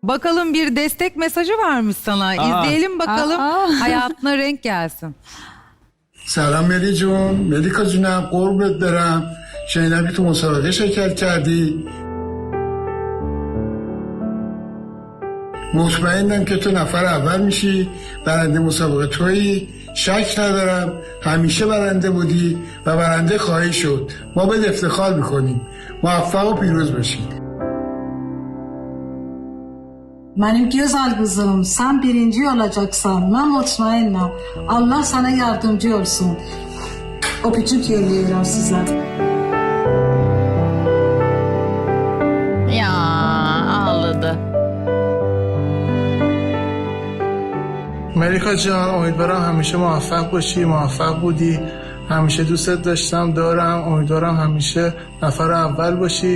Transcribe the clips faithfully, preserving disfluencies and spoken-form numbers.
Bakalım bir destek mesajı varmış sana. Aa. İzleyelim bakalım. Aa. Hayatına renk gelsin. سلام ملی جون ملیکا جونم قربت برم شنیدم که تو مسابقه شرکت کردی مطمئنم که تو نفر اول میشی برنده مسابقه تویی شک ندارم همیشه برنده بودی و برنده خواهی شد ما به افتخار میکنیم موفق و پیروز باشید Benim güzel kızım, sen birinci olacaksan ben mutmainnim. Allah sana yardımcı olsun. Öpücük yolluyorum size. Ya ağladı. ملیکا جان امیدوارم همیشه موفق باشی موفق بودی همیشه دوستت داشتم دارم امیدوارم همیشه نفر اول باشی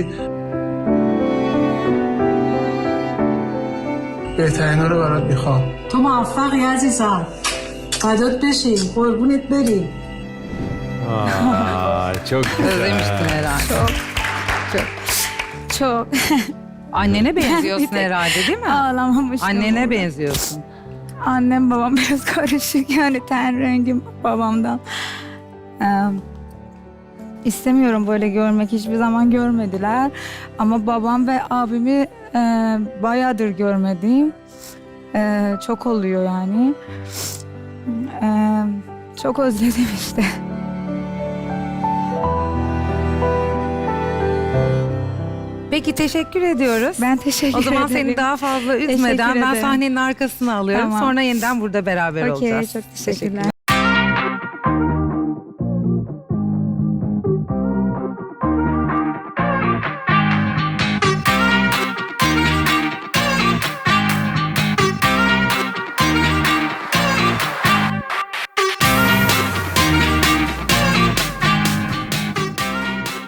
بهترین ها رو برات میخوام تو موفقی عزیزم. فدات بشیم. قربونت بریم. Aa, çok güzel. Özlemiştin herhalde. Çok. Çok. Çok. Annene benziyorsun Bir tek herhalde değil mi? Ağlamamıştım. Annene burada. benziyorsun. Annem babam biraz karışık yani ten rengim babamdan. Ee, istemiyorum böyle görmek, hiçbir zaman görmediler. Ama babam ve abimi e, bayağıdır görmediğim. E, çok oluyor yani. E, çok özledim işte. Peki teşekkür ediyoruz. Ben teşekkür O zaman ederim. seni daha fazla üzmeden Teşekkür ben ederim. sahnenin arkasına alıyorum. Tamam. Sonra yeniden burada beraber Okey, olacağız. çok teşekkürler.